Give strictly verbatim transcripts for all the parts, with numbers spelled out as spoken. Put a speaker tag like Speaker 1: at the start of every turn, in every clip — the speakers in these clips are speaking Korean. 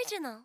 Speaker 1: Original.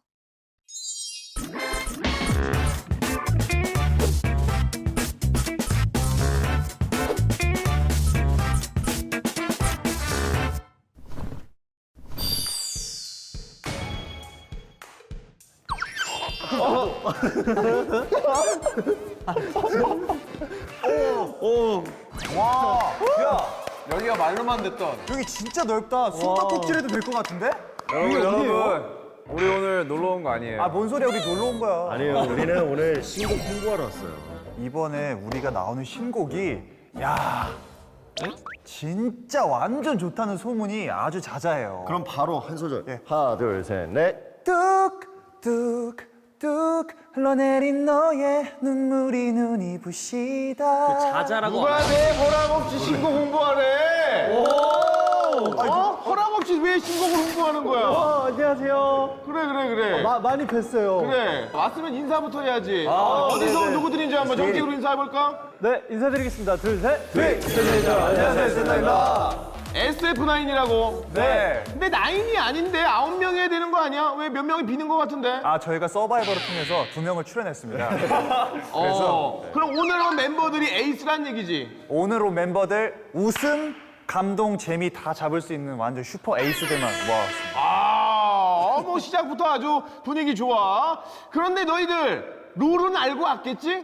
Speaker 2: 오.
Speaker 3: 와, 야,
Speaker 2: 여기가 말로만 듣던.
Speaker 3: 여기 진짜 넓다. 숨바꼭질해도 될 것 같은데?
Speaker 2: 여러분,
Speaker 3: 여기 어디예요?
Speaker 2: 여러분. 우리 오늘 놀러 온 거 아니에요.
Speaker 3: 아, 뭔 소리야? 우리 놀러 온 거야.
Speaker 4: 아니요, 우리는 오늘 신곡 홍보하러 왔어요.
Speaker 3: 이번에 우리가 나오는 신곡이 야, 진짜 완전 좋다는 소문이 아주 자자해요.
Speaker 4: 그럼 바로 한 소절.
Speaker 3: 예.
Speaker 4: 하나, 둘, 셋, 넷.
Speaker 3: 뚝뚝 뚝 흘러내린 너의 눈물이 눈이 부시다.
Speaker 5: 자자라고.
Speaker 2: 누가 내 허락 없이 신곡 홍보하래? 어? 허락 없이 왜 신곡을 홍보하는 거야?
Speaker 6: 어, 안녕하세요.
Speaker 2: 그래, 그래, 그래.
Speaker 6: 마, 많이 뵀어요.
Speaker 2: 그래. 왔으면 인사부터 해야지. 어디서 온 누구들인지 한번 정식으로 인사해볼까?
Speaker 6: 네, 인사드리겠습니다. 둘, 셋.
Speaker 2: 네. 안녕하세요, 센나입니다. 에스에프 나인이라고.
Speaker 3: 네.
Speaker 2: 근데 나인이 아닌데 아홉 명이 해야 되는 거 아니야? 왜 몇 명이 비는 거 같은데?
Speaker 3: 아, 저희가 서바이벌을 통해서 두 명을 출연했습니다.
Speaker 2: 어. 그럼 오늘 온 멤버들이 에이스란 얘기지?
Speaker 3: 오늘 온 멤버들 웃음, 감동, 재미 다 잡을 수 있는 완전 슈퍼 에이스들만 모아왔습니다.
Speaker 2: 아, 뭐 시작부터 아주 분위기 좋아. 그런데 너희들 룰은 알고 왔겠지?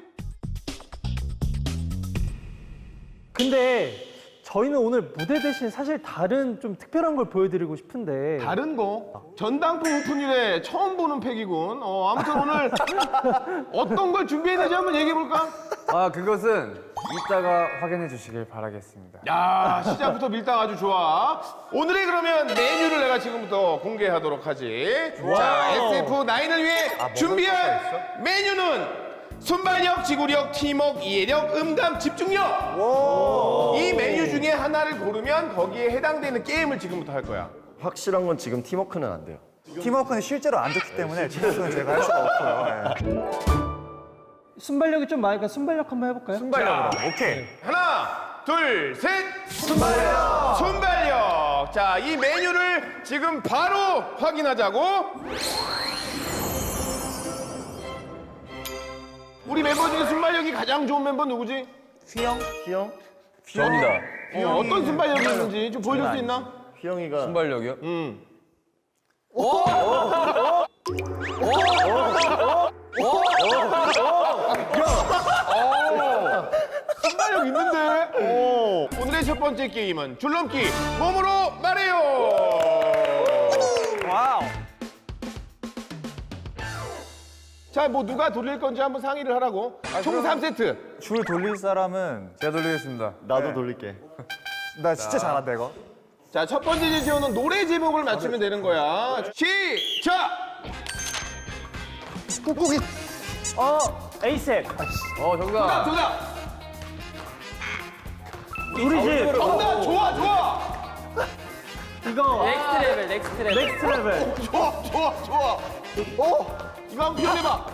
Speaker 6: 근데 저희는 오늘 무대 대신 사실 다른 좀 특별한 걸 보여드리고 싶은데.
Speaker 2: 다른 거? 전당포 오픈일에 처음 보는 팩이군. 어, 아무튼 오늘 어떤 걸 준비했는지 한번 얘기해볼까?
Speaker 7: 아, 그것은 이따가 확인해 주시길 바라겠습니다.
Speaker 2: 야, 시작부터 밀당 아주 좋아. 오늘의 그러면 메뉴를 내가 지금부터 공개하도록 하지. 자, 에스에프 나인을 위해 준비한 메뉴는 순발력, 지구력, 팀워크, 이해력, 음감, 집중력. 이 메뉴 중에 하나를 고르면 거기에 해당되는 게임을 지금부터 할 거야.
Speaker 4: 확실한 건 지금 팀워크는 안 돼요.
Speaker 3: 팀워크는 실제로 안 좋기 때문에 팀워크는 제가 할 수가 없고요. 예.
Speaker 6: 순발력이 좀 많으니까 순발력 한번 해볼까요?
Speaker 2: 순발력.
Speaker 3: 오케이.
Speaker 2: 하나, 둘, 셋. 순발력. 순발력. 자, 이 메뉴를 지금 바로 확인하자고. 우리 멤버 중에 순발력이 가장 좋은 멤버 누구지?
Speaker 4: 휘영?
Speaker 7: 저입니다.
Speaker 2: 어, 어떤 순발력이 있는지 좀 보여줄 수 있나?
Speaker 4: 휘영이가
Speaker 7: 순발력이요?
Speaker 2: 응. 순발력 있는데? 오. 오늘의 첫 번째 게임은 줄넘기 몸으로 말해요.
Speaker 3: 와우.
Speaker 2: 자, 뭐 누가 돌릴 건지 한번 상의를 하라고. 총 삼 세트.
Speaker 3: 줄 돌릴 사람은
Speaker 7: 제가 돌리겠습니다.
Speaker 4: 나도 돌릴게.
Speaker 3: 나 진짜 잘한다 이거.
Speaker 2: 자, 첫 번째 제시어는 노래 제목을 맞추면 되는 거야. 시작!
Speaker 3: 꾹꾹이.
Speaker 6: 어, 에이셉.
Speaker 7: 어,
Speaker 2: 정답,
Speaker 7: 정답.
Speaker 2: 정답!
Speaker 6: 우리 집.
Speaker 2: 정답, 좋아, 좋아!
Speaker 6: 이거.
Speaker 5: 넥스트 레벨, 넥스트 레벨.
Speaker 6: 넥스트 레벨.
Speaker 2: 좋아, 좋아, 좋아! 어? 이거 한번 표현해봐.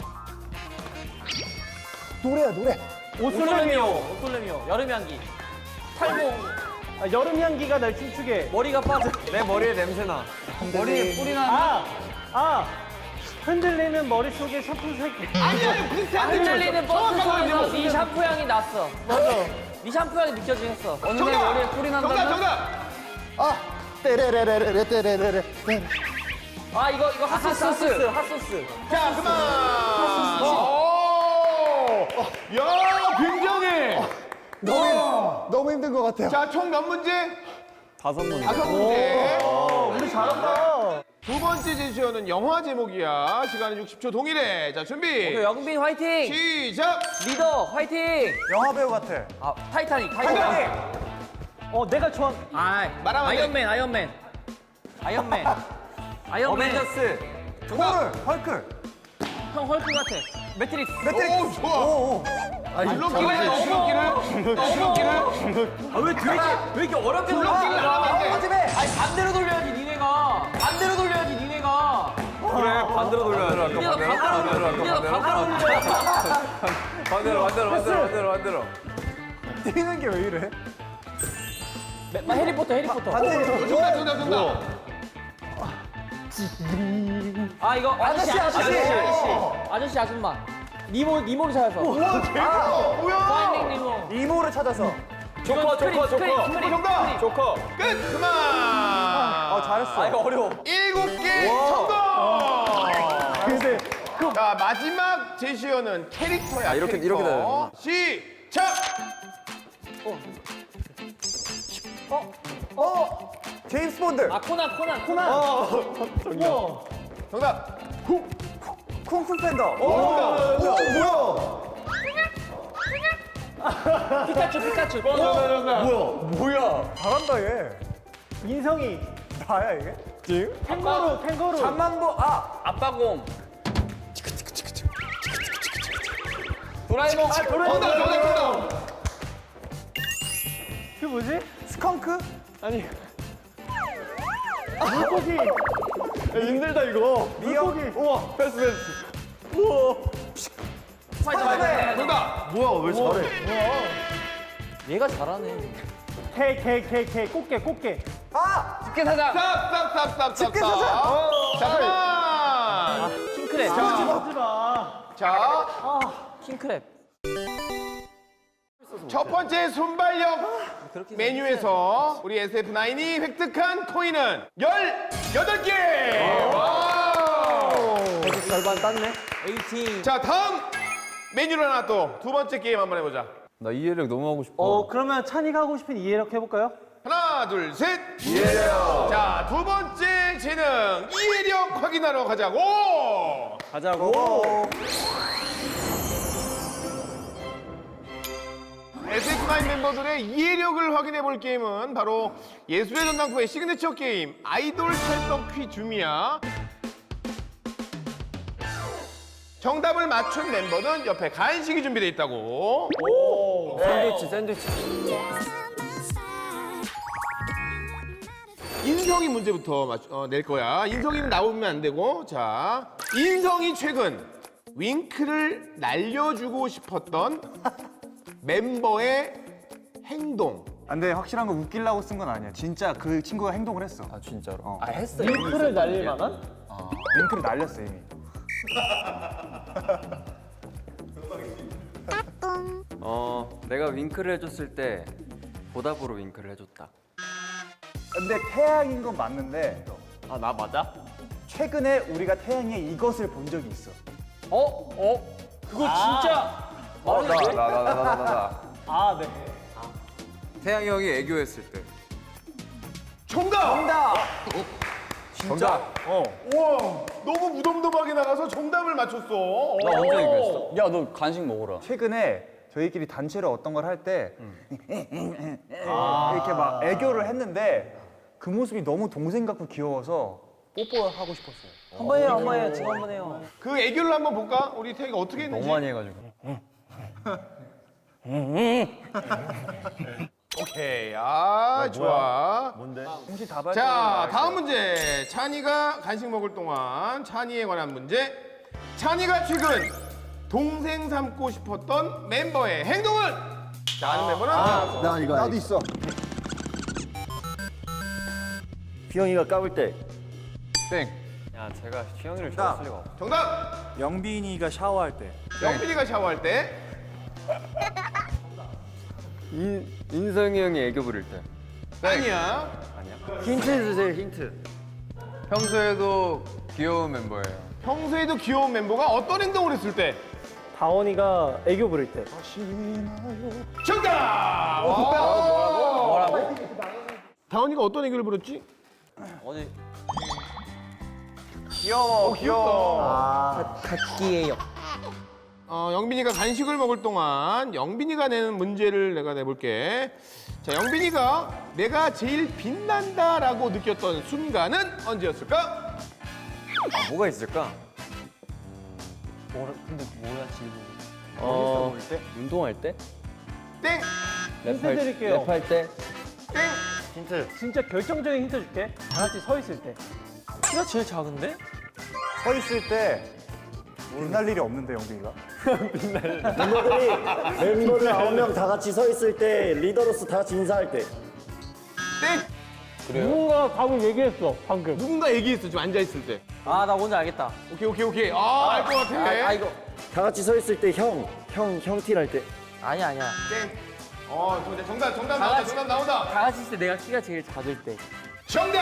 Speaker 3: 노래야 노래.
Speaker 6: 옷솔레미오.
Speaker 5: 옷솔레미오. 여름 향기. 탈모.
Speaker 6: 아, 여름 향기가 날 춤추게.
Speaker 5: 머리가 빠져.
Speaker 7: 내 머리에 냄새나.
Speaker 5: 머리에 뿌리 나는.
Speaker 6: 아, 아. 흔들리는 머릿속에 샴푸 색이.
Speaker 2: 아니, 아니, 비슷한데.
Speaker 5: 흔들리는 버스
Speaker 2: 정확한
Speaker 5: 속에서
Speaker 2: 거지.
Speaker 5: 네 샴푸 향이 났어. 맞아. 네 샴푸 향이 느껴지긴 했어. 어느 날
Speaker 2: 정답!
Speaker 5: 머리에 뿌리
Speaker 2: 정답,
Speaker 5: 난다면.
Speaker 2: 정답!
Speaker 3: 아, 떼레레레레 떼레레레.
Speaker 5: 아, 이거, 이거 핫소스. 핫소스. 핫소스.
Speaker 2: 자, 그만! 오! 야, 굉장해!
Speaker 3: 너무 너무 힘든 것 같아요.
Speaker 2: 자, 총 몇 문제?
Speaker 7: 다섯 문제.
Speaker 2: 다섯 문제.
Speaker 6: 우리 잘한다.
Speaker 2: 두 번째 제시어는 영화 제목이야. 시간은 육십 초 동일해. 자, 준비.
Speaker 5: 영빈 화이팅!
Speaker 2: 시작!
Speaker 5: 리더 화이팅!
Speaker 3: 영화 배우 같아.
Speaker 5: 아, 타이타닉, 타이타닉.
Speaker 2: 타이타닉!
Speaker 6: 어, 내가 좋아.
Speaker 5: 아,
Speaker 2: 말하면 안 돼.
Speaker 5: 아이언맨, 아이언맨. 아이언맨. 아이언맨.
Speaker 7: 어벤져스.
Speaker 3: 헐, 헐크.
Speaker 5: 형 헐크 같아. 매트릭스.
Speaker 2: 오, 좋아.
Speaker 3: 오, 오.
Speaker 2: 줄넘기를 해, 줄넘기를. 줄넘기를.
Speaker 5: 아, 왜 되게, 왜 이렇게 어렵게
Speaker 2: 줄넘기를 안 하면 안 돼.
Speaker 5: 아니, 반대로 돌려야지, 니네가. 반대로 돌려야지, 니네가.
Speaker 7: 그래, 반대로 돌려야 돼.
Speaker 5: 니네가 반대로 돌려. 니네가 반대로 돌려.
Speaker 7: 반대로, 반대로, 반대로, 반대로, 반대로.
Speaker 3: 뛰는 게 왜 이래?
Speaker 5: 아, 해리포터, 해리포터.
Speaker 2: 정답, 정답, 정답.
Speaker 5: 아 이거 아저씨 아저씨
Speaker 3: 아저씨.
Speaker 5: 아저씨 아저씨 아줌마 니모 니모를 찾아서.
Speaker 2: 우와 대박! 뭐야?
Speaker 5: 파인딩 니모.
Speaker 3: 이모를 찾아서.
Speaker 5: 조커 조커 조커.
Speaker 2: 정답!
Speaker 5: 조커.
Speaker 2: 끝! 그만!
Speaker 3: 어 잘했어.
Speaker 5: 아 이거 어려워.
Speaker 2: 일곱 개 성공!
Speaker 6: 근데
Speaker 2: 자 마지막 제시어는 캐릭터야.
Speaker 7: 아, 이렇게-
Speaker 2: 캐릭터.
Speaker 7: 이렇게 돼요.
Speaker 2: 시작.
Speaker 3: 제임스 본드.
Speaker 5: 아 코난 코난 코난.
Speaker 2: 정답.
Speaker 3: 쿵푸 팬더.
Speaker 5: 피카츄 피카츄.
Speaker 3: 잘한다 얘.
Speaker 6: 인성이
Speaker 3: 나야 이게?
Speaker 6: 탱거로 탱거로.
Speaker 3: 잠만보 아
Speaker 5: 아빠곰. 도라에몽. 아
Speaker 2: 정답 정답 정답.
Speaker 6: 그 뭐지?
Speaker 3: 스컹크?
Speaker 6: 아니. 물고기.
Speaker 4: 힘들다 이거.
Speaker 3: 미역.
Speaker 4: 우와 패스 패스.
Speaker 5: 스파이더맨.
Speaker 2: 정답.
Speaker 4: 뭐야 왜 잘해?
Speaker 5: 얘가 잘하네.
Speaker 6: 개 개 개 개 꽃게 꽃게.
Speaker 3: 아
Speaker 5: 집게사장.
Speaker 2: 쌉쌉쌉쌉쌉.
Speaker 3: 집게사장.
Speaker 2: 잠깐만.
Speaker 5: 킹크랩.
Speaker 6: 하지 마.
Speaker 2: 자,
Speaker 5: 킹크랩.
Speaker 2: 첫 번째 순발력
Speaker 5: 그렇게
Speaker 2: 메뉴에서 우리 에스에프나인이 획득한 코인은 열여덟 개. 와우.
Speaker 5: 절반 땄네. 에이틴.
Speaker 2: 자, 다음 메뉴를 하나 또 두 번째 게임 한번 해보자.
Speaker 7: 나 이해력 너무 하고 싶어.
Speaker 6: 어 그러면 찬이가 하고 싶은 이해력 해볼까요?
Speaker 2: 하나, 둘, 셋. 이해력. 자, 두 번째 재능 이해력 확인하러 가자고.
Speaker 3: 가자고.
Speaker 2: 에스에프나인 멤버들의 이해력을 확인해 볼 게임은 바로 예술의 전당포의 시그니처 게임 아이돌 찰떡 퀴즈미야. 정답을 맞춘 멤버는 옆에 간식이 준비되어 있다고.
Speaker 5: 샌드위치 샌드위치.
Speaker 2: 인성이 문제부터 맞, 어, 낼 거야. 인성이는 나오면 안 되고. 자, 인성이 최근 윙크를 날려주고 싶었던 멤버의 행동.
Speaker 3: 근데 확실한 거 웃기려고 쓴 건 아니야. 진짜 그 친구가 행동을 했어.
Speaker 7: 아 진짜로.
Speaker 3: 어.
Speaker 5: 아 했어.
Speaker 6: 링크를 날릴 만한?
Speaker 3: 링크를 날렸어 이미.
Speaker 7: 어 내가 윙크를 해줬을 때 보답으로 윙크를 해줬다.
Speaker 3: 근데 태양인 건 맞는데
Speaker 5: 아 나 맞아?
Speaker 3: 최근에 우리가 태양의 이것을 본 적이 있어.
Speaker 5: 어? 어? 그거 진짜 말이 돼?
Speaker 7: 나 나 나 나 나 나.
Speaker 6: 아 네.
Speaker 7: 태양이 형이 애교했을 때.
Speaker 2: 정답!
Speaker 3: 정답.
Speaker 7: 정답.
Speaker 3: 어.
Speaker 2: 우와, 너무 무덤덤하게 나가서 정답을 맞췄어.
Speaker 7: 나 언제 애교했어?
Speaker 1: 야, 너 간식 먹어라.
Speaker 3: 최근에 저희끼리 단체로 어떤 걸 할 때 이렇게 막 애교를 했는데 그 모습이 너무 동생 같고 귀여워서 뽀뽀하고 싶었어요.
Speaker 5: 한 번 해요, 한 번 해요. 지금 한 번 해요.
Speaker 2: 그 애교를 한번 볼까? 우리 태희가 어떻게 했는지.
Speaker 1: 너무 많이 해가지고.
Speaker 2: 오케이, 아 좋아.
Speaker 4: 뭔데?
Speaker 3: 혹시 다
Speaker 2: 자, 다음 문제. 찬이가 간식 먹을 동안 찬이에 관한 문제. 찬이가 최근 동생 삼고 싶었던 멤버의 행동은? 자, 아는 멤버는?
Speaker 4: 나 이거 나도 있어. 휘영이가 까불 때
Speaker 7: 땡.
Speaker 1: 야, 제가 휘영이를 좋아했을 리가 없어.
Speaker 2: 정답.
Speaker 3: 영빈이가 샤워할 때.
Speaker 2: 영빈이가 샤워할 때.
Speaker 7: 인 인성이 형이 애교 부릴 때.
Speaker 2: 아니야.
Speaker 7: 힌트 주세요 힌트. 평소에도 귀여운 멤버예요.
Speaker 2: 평소에도 귀여운 멤버가 어떤 행동을 했을 때?
Speaker 6: 다원이가 애교 부릴 때.
Speaker 2: 정답! 뭐라고? 뭐라고? 다원이가 어떤 애교를 부렸지?
Speaker 5: 어디?
Speaker 3: 귀여워, 귀여워.
Speaker 5: 갓기예요.
Speaker 2: 어, 영빈이가 간식을 먹을 동안 영빈이가 내는 문제를 내가 내볼게. 자, 영빈이가 내가 제일 빛난다라고 느꼈던 순간은 언제였을까?
Speaker 7: 아, 뭐가 있을까?
Speaker 5: 뭐라, 근데 뭐야 지금?
Speaker 1: 어, 운동할 때?
Speaker 2: 땡!
Speaker 6: 힌트 드릴게요.
Speaker 1: 랩할 때?
Speaker 2: 땡!
Speaker 4: 힌트.
Speaker 6: 진짜 결정적인 힌트 줄게. 다 같이 서 있을 때.
Speaker 5: 키가 제일 작은데?
Speaker 3: 서 있을 때 빛날 일이 없는데 영빈이가.
Speaker 4: 멤버들이 멤버들 아홉 명 다 같이 서 있을 때 리더로서 다 같이 인사할 때.
Speaker 2: 땡!
Speaker 6: 누군가 답을 얘기했어 방금.
Speaker 2: 누군가 얘기했어 지금 앉아 있을 때.
Speaker 5: 아, 나 뭔지 알겠다.
Speaker 2: 오케이 오케이 오케이. 아 알 것 같아.
Speaker 5: 아, 아, 이거.
Speaker 4: 다 같이 서 있을 때 형, 형, 형 티 날 때.
Speaker 5: 아니야, 아니야.
Speaker 2: 땡. 어 정답 정답 정답 나온다
Speaker 5: 같이-
Speaker 2: 정답 나온다.
Speaker 5: 다 같이 있을 때 내가 키가 제일 작을 때.
Speaker 2: 정답.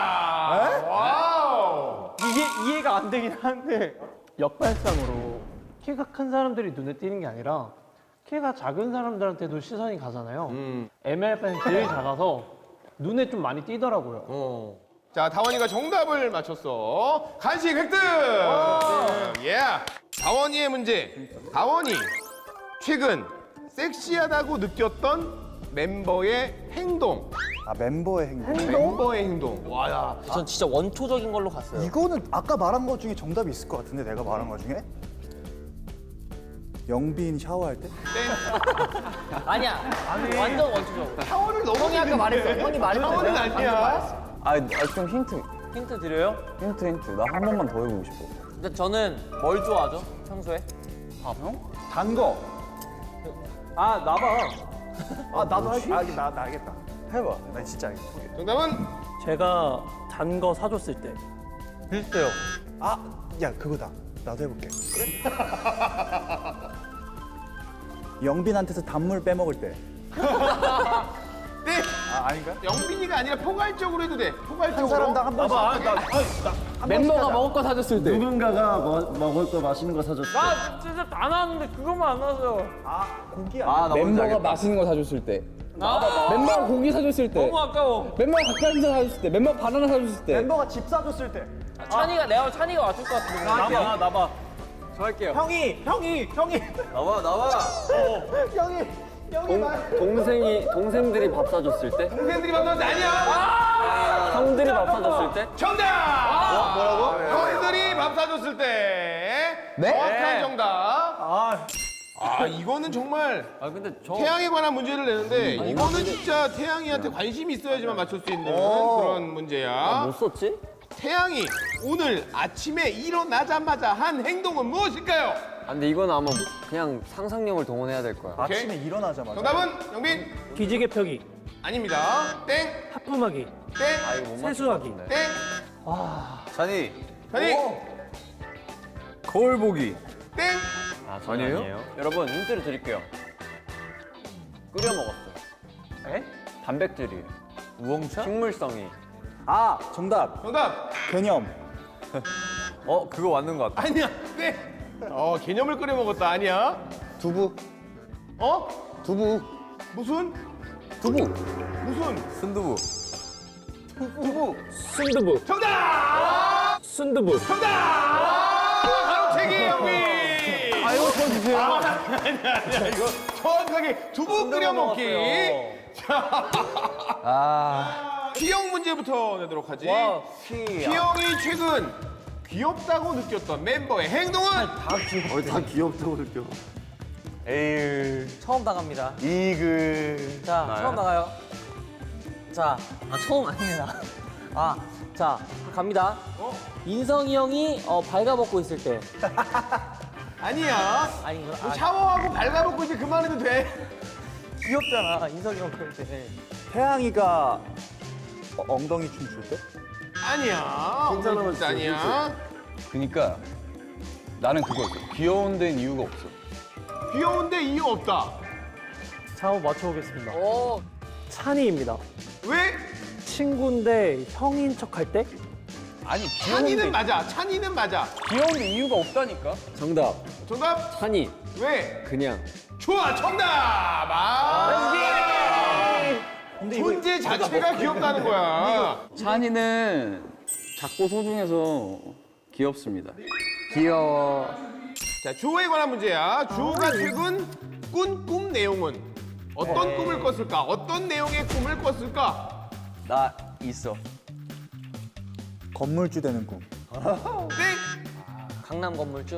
Speaker 2: 와우.
Speaker 6: 이게 이해가 안 되긴 한데 역발상으로 키가 큰 사람들이 눈에 띄는 게 아니라 키가 작은 사람들한테도 시선이 가잖아요.
Speaker 2: 음.
Speaker 6: 엠엘에프는 제일 작아서 눈에 좀 많이 띄더라고요.
Speaker 2: 어. 자 다원이가 정답을 맞췄어. 간식 획득. 예. 다원이의 문제. 다원이 최근 섹시하다고 느꼈던 멤버의 행동.
Speaker 3: 아 멤버의 행동.
Speaker 2: 멤버의 행동. 와야.
Speaker 5: 전 진짜 원초적인 걸로 갔어요.
Speaker 3: 이거는 아까 말한 것 중에 정답이 있을 것 같은데 내가 말한 것 중에 영빈 샤워할 때?
Speaker 5: 아니야. 완전 원초적으로.
Speaker 2: 샤워를 너무
Speaker 5: 형이 아까 말했어. 형이 말했어.
Speaker 2: 샤워는
Speaker 5: 내가
Speaker 2: 아니야.
Speaker 1: 아, 아, 좀 힌트.
Speaker 5: 힌트 드려요?
Speaker 1: 힌트, 힌트. 나 한 번만 더 해보고 싶어.
Speaker 5: 근데 저는 뭘 좋아하죠? 평소에?
Speaker 1: 밥, 형?
Speaker 3: 단 거.
Speaker 6: 아 나봐.
Speaker 3: 아 나도 알, 아, 나, 나 알겠다.
Speaker 1: 해봐.
Speaker 3: 나 진짜 알겠다.
Speaker 2: 정답은
Speaker 6: 제가 단 거 사줬을 때.
Speaker 5: 비슷해요.
Speaker 3: 아, 야 그거다. 나도 해볼게. 영빈한테서 단물 빼먹을 때.
Speaker 2: 네.
Speaker 3: 아 아닌가?
Speaker 2: 영빈이가 아니라 포괄적으로 해도 돼. 포괄적으로.
Speaker 3: 한 사람당 한 번씩.
Speaker 6: 아, 나, 나, 멤버가 먹을 거 사줬을 때.
Speaker 4: 누군가가 뭐, 먹을 거 맛있는 거 사줬을 때.
Speaker 5: 나 진짜 다 나왔는데 그것만 안 나왔어요.
Speaker 3: 아 고기
Speaker 1: 아,
Speaker 3: 아니야?
Speaker 1: 나 뭔지
Speaker 8: 멤버가
Speaker 1: 알겠다.
Speaker 8: 맛있는 거 사줬을 때.
Speaker 5: 아,
Speaker 8: 멤버가 고기 사줬을 때.
Speaker 5: 너무 아까워.
Speaker 8: 멤버가 닭가슴살 사줬을 때. 멤버가 바나나 사줬을 때.
Speaker 3: 멤버가 집 사줬을 때.
Speaker 5: 찬이가 내가 찬이가 맞출 것 같은데.
Speaker 6: 나봐 나봐.
Speaker 7: 저 할게요.
Speaker 6: 형이 형이 형이
Speaker 7: 나와 나와.
Speaker 3: 형이 형이 말.
Speaker 7: 동생이 동생들이 밥 사줬을 때.
Speaker 2: 동생들이 만나서 아니야.
Speaker 7: 형들이 밥 사줬을 때.
Speaker 2: 정답. 뭐라고? 형들이 밥 사줬을 때.
Speaker 8: 네?
Speaker 2: 정확한 정답.
Speaker 3: 아
Speaker 2: 아 이거는 정말
Speaker 7: 아 근데 저
Speaker 2: 태양에 관한 문제를 내는데 이거는 진짜 태양이한테 관심이 있어야지만 맞출 수 있는 그런 문제야.
Speaker 7: 못 썼지?
Speaker 2: 태양이 오늘 아침에 일어나자마자 한 행동은 무엇일까요?
Speaker 7: 아, 근데 이건 아마 뭐 그냥 상상력을 동원해야 될 거야.
Speaker 2: 오케이.
Speaker 3: 아침에 일어나자마자.
Speaker 2: 정답은 영빈
Speaker 6: 기지개 펴기,
Speaker 2: 아닙니다. 땡,
Speaker 6: 하품하기,
Speaker 2: 땡,
Speaker 7: 아 이거 못 맞출 것
Speaker 6: 세수하기.
Speaker 7: 같은데.
Speaker 2: 땡.
Speaker 1: 찬이.
Speaker 2: 자니
Speaker 1: 거울 보기.
Speaker 2: 땡.
Speaker 7: 아 아니에요?
Speaker 1: 여러분, 힌트를 드릴게요. 끓여 먹었어요.
Speaker 6: 에?
Speaker 1: 단백질이에요.
Speaker 6: 우엉차?
Speaker 1: 식물성이.
Speaker 3: 아 정답.
Speaker 2: 정답.
Speaker 3: 개념.
Speaker 1: 어, 그거 맞는 것 같아.
Speaker 2: 아니야. 네. 어 개념을 끓여 먹었다. 아니야.
Speaker 3: 두부.
Speaker 2: 어?
Speaker 3: 두부.
Speaker 2: 무슨?
Speaker 1: 두부.
Speaker 2: 무슨?
Speaker 1: 순두부.
Speaker 2: 두부.
Speaker 6: 순두부.
Speaker 2: 정답.
Speaker 6: 순두부.
Speaker 2: 정답. 가로채기 영빈.
Speaker 6: 아 이거 저 주세요.
Speaker 2: 아니야 아니야 이거 정확하게 두부 끓여 먹기. 자.
Speaker 1: 아.
Speaker 2: T형 문제부터 내도록 하지.
Speaker 6: 와,
Speaker 2: T형이 최근 귀엽다고 느꼈던 멤버의 행동은?
Speaker 4: 어, 다 귀엽다고 느껴.
Speaker 3: 에이.
Speaker 5: 처음 나갑니다.
Speaker 3: 이글.
Speaker 5: 자, 처음 나가요. 자, 아 처음 아닙니다. 아, 자 갑니다. 인성이 형이 어, 발가벗고 있을 때.
Speaker 2: 아니야.
Speaker 5: 아닌가?
Speaker 2: 뭐
Speaker 5: 아,
Speaker 2: 샤워하고 발가벗고 이제 그만해도 돼.
Speaker 5: 귀엽잖아. 인성이 형 그럴 때.
Speaker 3: 태양이가 어, 엉덩이 춤 출 때?
Speaker 2: 아니야.
Speaker 4: 괜찮아,
Speaker 2: 진짜 아니야.
Speaker 8: 그니까 나는 그거지. 귀여운 데는 이유가 없어.
Speaker 2: 귀여운데 이유 없다.
Speaker 6: 자, 한번 맞춰보겠습니다.
Speaker 5: 오,
Speaker 6: 찬이입니다.
Speaker 2: 왜?
Speaker 6: 친구인데 형인 척 할 때?
Speaker 8: 아니, 귀여운 데,
Speaker 2: 찬이는 맞아. 찬이는 맞아.
Speaker 8: 귀여운 데 이유가 없다니까?
Speaker 7: 정답.
Speaker 2: 정답?
Speaker 7: 찬이
Speaker 2: 왜?
Speaker 7: 그냥.
Speaker 2: 좋아. 정답. 아. 존재 자체가 귀엽다는 거야.
Speaker 8: 찬이는 작고 소중해서 귀엽습니다.
Speaker 7: 귀여워.
Speaker 2: 자, 주호에 관한 문제야. 주호가 최근 꾼 꿈 내용은 어떤 꿈을 꿨을까? 어떤 내용의 꿈을 꿨을까?
Speaker 1: 나 있어.
Speaker 3: 건물주 되는 꿈.
Speaker 2: 땡.
Speaker 5: 강남 건물주.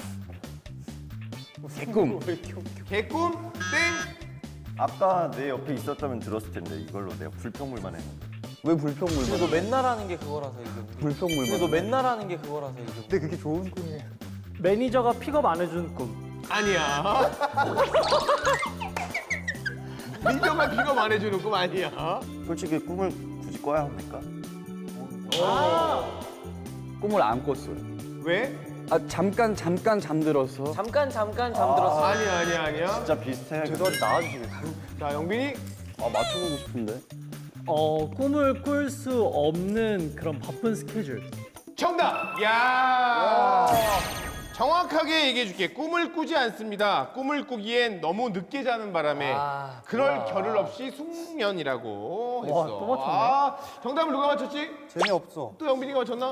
Speaker 8: 개꿈.
Speaker 2: 개꿈. 땡.
Speaker 4: 아까 내 옆에 있었다면 들었을 텐데 이걸로 내가 불평물만 했는데.
Speaker 8: 왜 불평물?
Speaker 5: 근데 너 맨날 하는 게 그거라서 이게.
Speaker 8: 불평물.
Speaker 5: 근데 너 맨날 하는 게 그거라서 이게.
Speaker 3: 근데 그게 좋은 꿈이에요.
Speaker 6: 매니저가 픽업 안 해주는 꿈.
Speaker 2: 아니야. 민정아 비가 말해주는 꿈 아니야.
Speaker 4: 솔직히 꿈을 굳이 꿔야 합니까?
Speaker 8: 꿈을 안 꿨어요.
Speaker 2: 왜?
Speaker 8: 아 잠깐 잠깐 잠들어서.
Speaker 5: 잠깐 잠깐 잠들었어.
Speaker 2: 아니야 아니야 아니야.
Speaker 4: 진짜 비슷해.
Speaker 3: 죄송한데 나와주시겠어요?
Speaker 2: 자 영빈이.
Speaker 8: 아 맞춰보고 싶은데.
Speaker 6: 어, 꿈을 꿀 수 없는 그런 바쁜 스케줄.
Speaker 2: 정답! 야 정확하게 얘기해줄게. 꿈을 꾸지 않습니다. 꿈을 꾸기엔 너무 늦게 자는 바람에
Speaker 5: 아,
Speaker 2: 그럴 겨를 없이 숙면이라고 했어.
Speaker 6: 와, 또 맞췄네.
Speaker 2: 아, 정답을 누가 맞췄지?
Speaker 3: 재미없어.
Speaker 2: 또 영빈이가 맞췄나?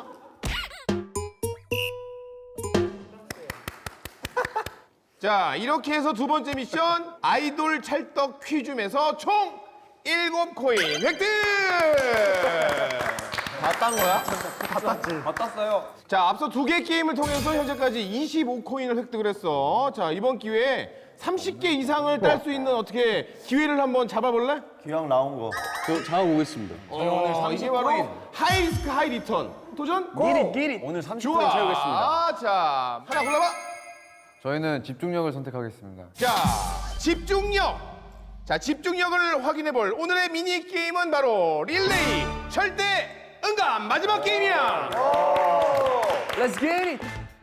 Speaker 2: 자, 이렇게 해서 두 번째 미션 아이돌 찰떡 퀴즈에서 총 일곱 코인 획득!
Speaker 1: 다 딴 거야?
Speaker 3: 다 땄지.
Speaker 1: 다 땄어요.
Speaker 2: 자, 앞서 두 개 게임을 통해서 현재까지 이십오 코인을 획득을 했어. 자, 이번 기회에 삼십 개 이상을 딸 수 있는 어떻게 기회를 한번 잡아볼래?
Speaker 4: 기왕 나온 거.
Speaker 8: 저 잡아보겠습니다.
Speaker 2: 어, 이게 바로 하이리스크 하이리턴 도전?
Speaker 1: 끼리 끼리. 오늘 삼십 코인
Speaker 2: 좋아.
Speaker 1: 채우겠습니다.
Speaker 2: 자, 하나 골라봐.
Speaker 7: 저희는 집중력을 선택하겠습니다.
Speaker 2: 자, 집중력. 자, 집중력을 확인해볼 오늘의 미니 게임은 바로 릴레이 절대 응감 마지막 게임이야.
Speaker 1: Let's get it.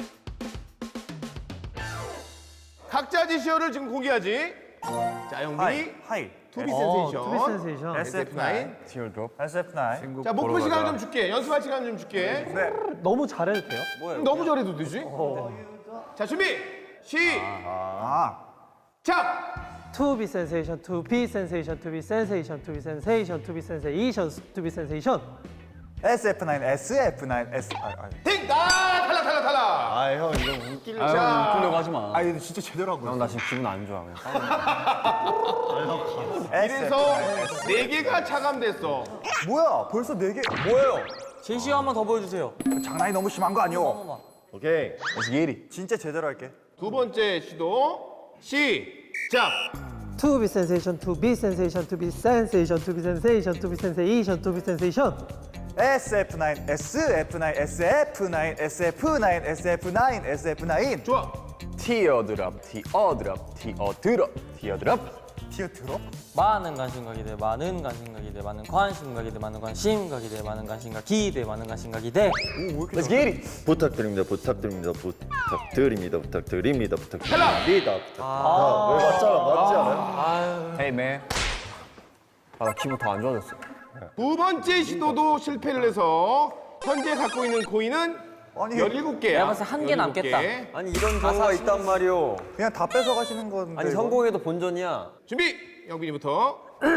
Speaker 2: 각자 제시어를 지금 공개하지. 자, 영빈이
Speaker 3: 하이.
Speaker 2: 투비
Speaker 6: 어,
Speaker 2: 센세이션.
Speaker 6: 투비 센세이션.
Speaker 2: 에스에프 나인.
Speaker 3: 에스에프 나인.
Speaker 2: 자, 목표 시간을 좀 줄게. 연습할 시간 좀 줄게.
Speaker 6: 너무 잘해도 돼요?
Speaker 2: 너무 잘해도 되지? 자, 준비. 시작.
Speaker 6: To be sensation, to be sensation, to be sensation, to be sensation, to be sensation, to be sensation.
Speaker 3: 에스에프 나인, 에스에프 나인, S. 아, 아.
Speaker 2: 팅! 아, 탈락, 탈락, 탈락.
Speaker 4: 아, 형 이거 웃기려.
Speaker 1: 아, 형 웃기려고 하지 마.
Speaker 3: 아, 이거 진짜 제대로 하고
Speaker 1: 형
Speaker 3: 있어.
Speaker 1: 나 지금 기분 안 좋아. 그냥.
Speaker 2: 이래서 네 개가 차감됐어.
Speaker 3: 뭐야? 벌써 네 개. 뭐예요?
Speaker 5: 제시어 한 번 더 보여주세요.
Speaker 3: 장난이 너무 심한 거 아니오?
Speaker 4: 오케이.
Speaker 1: Let's get it.
Speaker 3: 진짜 제대로 할게.
Speaker 2: 두 번째 시도 시작.
Speaker 6: To be sensation, to be sensation, to be sensation, to be sensation, to be sensation, to be sensation.
Speaker 3: 에스에프 나인, 에스에프 나인, 에스에프 나인, 에스에프 나인, 에스에프 나인, 에스에프 나인.
Speaker 2: 좋아.
Speaker 1: 티어드랍, 티어드랍, 티어드랍, 티어드랍.
Speaker 3: 티어 들어?
Speaker 5: 많은 관심과 기대, 많은 관심과 기대, 많은 관심과 기대, 많은 관심과 기대, 많은 관심과 기대, 많은 관심과 기대.
Speaker 1: Let's get it.
Speaker 4: 부탁드립니다. 부탁드립니다. 부탁드립니다. 부탁드립니다. 부탁드립니다.
Speaker 2: 탈락.
Speaker 4: 아, 왜 맞잖아. 맞지 않아요?
Speaker 1: Hey man. 아, 나 기분 더 안 좋아졌어.
Speaker 2: 두 번째 시도도 실패를 해서 현재 갖고 있는 코인은
Speaker 3: 아니,
Speaker 2: 열일곱 개야.
Speaker 5: 내가 봤을 때 한개 남겠다.
Speaker 7: 아니 이런 경우가 있단 말이오.
Speaker 3: 그냥 다 뺏어 가시는 건데.
Speaker 7: 아니
Speaker 3: 이거?
Speaker 7: 성공해도 본전이야.
Speaker 2: 준비. 영빈이부터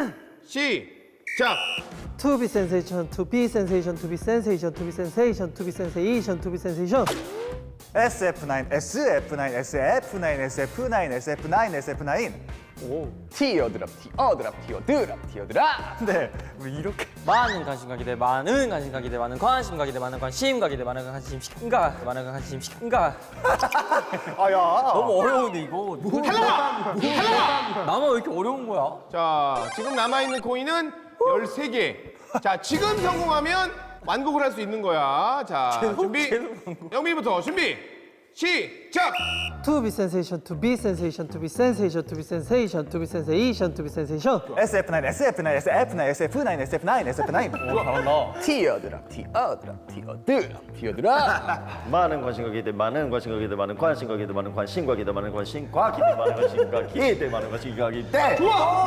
Speaker 2: 시작.
Speaker 6: To be sensation, to be sensation, to be sensation, to be sensation, to be sensation, to be sensation.
Speaker 3: 에스에프 나인, 에스에프 나인, 에스에프 나인, 에스에프 나인, 에스에프 나인, 에스에프 나인.
Speaker 1: 티어드랍, 티어드랍, 티어드랍, 티어드랍.
Speaker 3: 네, 왜 이렇게?
Speaker 5: 많은 관심과 기대, 많은 관심과 기대, 많은 관심과 기대, 많은 관심과 기대, 많은 관심과 많은 관심과.
Speaker 3: 아야.
Speaker 5: 너무 어려운데 이거.
Speaker 2: 탈락. 탈락.
Speaker 5: 나만 왜 이렇게 어려운 거야?
Speaker 2: 자, 지금 남아 있는 코인은 열세 개. 자, 지금 성공하면 완곡을 할 수 있는 거야. 자, 준비. 영빈이부터 준비. 시작.
Speaker 6: To be sensation, to be sensation, to be sensation, to be sensation, to be sensation, to be sensation.
Speaker 3: 에스에프 나인, 에스에프 나인, 에스에프 나인, 에스에프 나인, 에스에프 나인, 에스에프 나인.
Speaker 1: 티어드랍, 티어드랍, 티어드랍, 티어드랍.
Speaker 4: 많은 관심과 기대, 많은 관심과 기대, 많은 관심과 기대, 많은 관심과 기대, 많은 관심과 기대, 많은 관심과 기대, 많은 관심과 기대.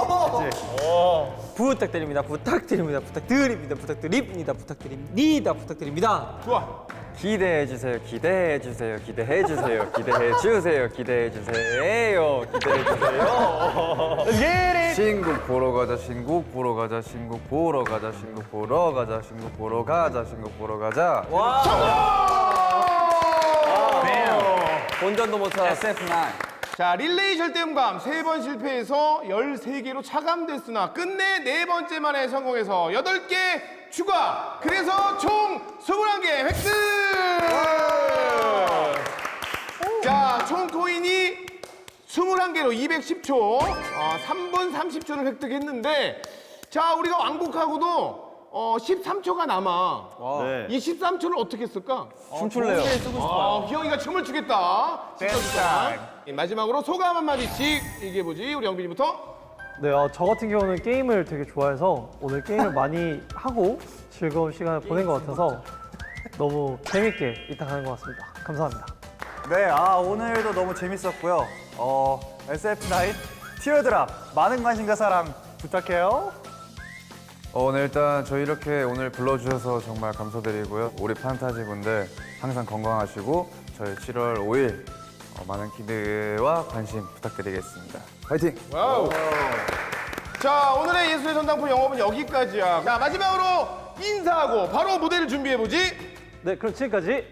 Speaker 5: 부탁드립니다. 부탁드립니다. 부탁드립니다. 부탁드립니다. 부탁드립니다. 부탁드립니다.
Speaker 2: 좋아.
Speaker 7: 기대해 주세요. 기대해 주세요. 기대해 주세요. 기대해 주세요. 기대해 주세요. 기대해 주세요. 신곡 보러 가자. 신곡 보러 가자. 신곡 보러 가자. 신곡 보러 가자. 신곡 보러 가자. 신곡 보러 가자.
Speaker 5: 본전도 못 찾았어.
Speaker 1: 에스에프 나인.
Speaker 2: 자, 릴레이 절대음감 세 번 실패해서 열세 개로 차감됐으나 끝내 네 번째 만에 성공해서 여덟 개 추가. 그래서 총 스물한 개 획득! 자, 총 코인이 스물한 개로 이백십 초, 어, 삼 분 삼십 초를 획득했는데 자, 우리가 왕복하고도 어, 십삼 초가 남아.
Speaker 4: 네.
Speaker 2: 이 십삼 초를 어떻게 쓸까?
Speaker 1: 춤출래요.
Speaker 2: 아, 희영이가 춤을 추겠다. 마지막으로 소감 한마디씩 얘기해보지. 우리 영빈이부터.
Speaker 6: 네, 어, 저 같은 경우는 게임을 되게 좋아해서 오늘 게임을 많이 하고 즐거운 시간을 보낸 것 같아서 너무 재밌게 입학하는 것 같습니다. 감사합니다.
Speaker 3: 네, 아 오늘도 너무 재밌었고요. 어, 에스에프나인 티어드랍 많은 관심과 사랑 부탁해요.
Speaker 7: 어, 네, 일단 저희 이렇게 오늘 불러주셔서 정말 감사드리고요. 우리 판타지 분들 항상 건강하시고 저희 칠월 오일 어, 많은 기대와 관심 부탁드리겠습니다. 화이팅!
Speaker 2: 와우. 자, 오늘의 예술의 전당포 영업은 여기까지야. 자, 마지막으로 인사하고 바로 무대를 준비해보지.
Speaker 6: 네, 그럼 지금까지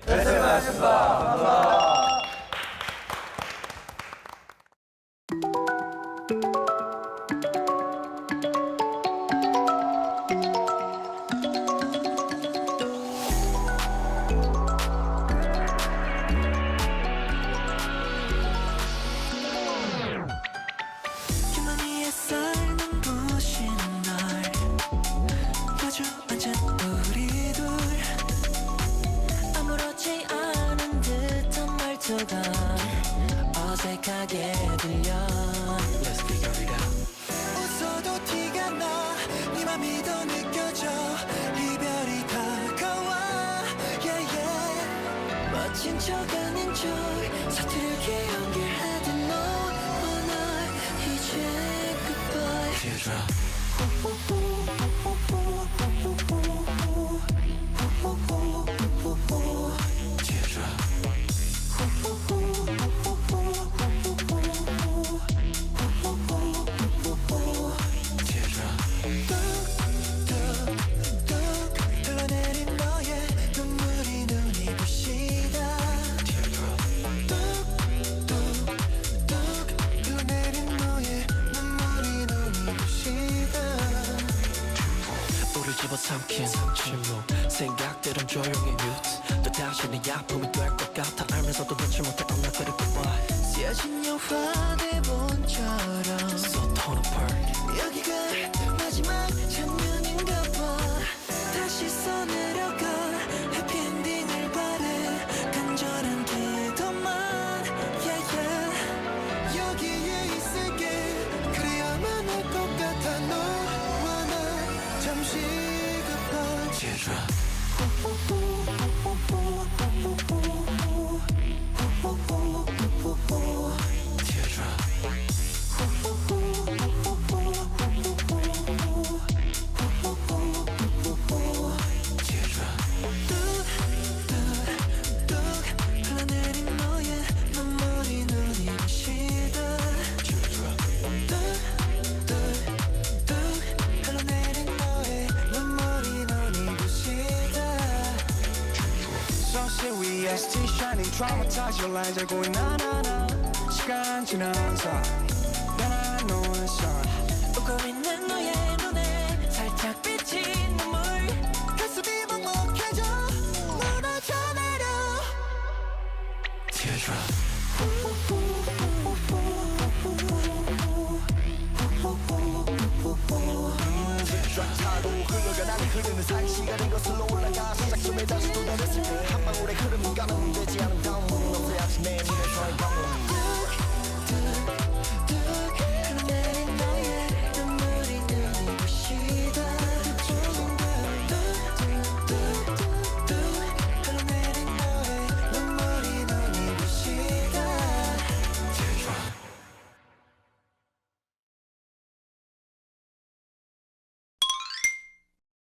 Speaker 9: 주머니에 쌓이는 부신 날 마주 앉은 우리 둘 아무렇지 않은 듯한 말투가 어색하게 들려 Let's figure it out 웃어도 티가 나네 맘이 더 느껴져 이별이 다가와 yeah, yeah. 멋진 척 아닌 척 서투르게 연결하던 너와 나 이제 goodbye Teardrop 흘러내린 너의 눈물이 눈이 부시다 뚝뚝뚝 흘러내린 너의 눈물이 눈이 부시다 우릴 집어삼킨 침묵 생각들은 조용히 뮤트 또 다시 내 아픔이 될 것 같아 알면서도 놓지 못해 언나 그리 goodbye 쓰여진 영화 대본처럼 So torn apart 여기가 마지막 장면인가 봐 다시 써내려가 해피엔딩을 바래 간절한 기도만 yeah, yeah. 여기에 있을게 그래야만 할 것 같아 너와 나 잠시 급한 Teardrop 흘러내린 너의 눈물이 눈이 부시다 뚝뚝뚝 흘러내린 너의 눈물이 눈이 부시다
Speaker 10: Sunset 위에 still shining traumatized your lines 알고 있나 나나 시간 지나서 변한 너의 sun
Speaker 9: 웃고 있는 너의 눈에 살짝 비친 눈물 가슴이 먹먹해져 무너져 내려
Speaker 10: Teardrop
Speaker 9: 타고 흘러가 나는 흐르는 사이 시간은 거슬러 올라가 시작점에 다시 도달했을 때 한 방울의 흐름은 가면 되지 않은 다음은 없어야지 내 눈에 서의 방울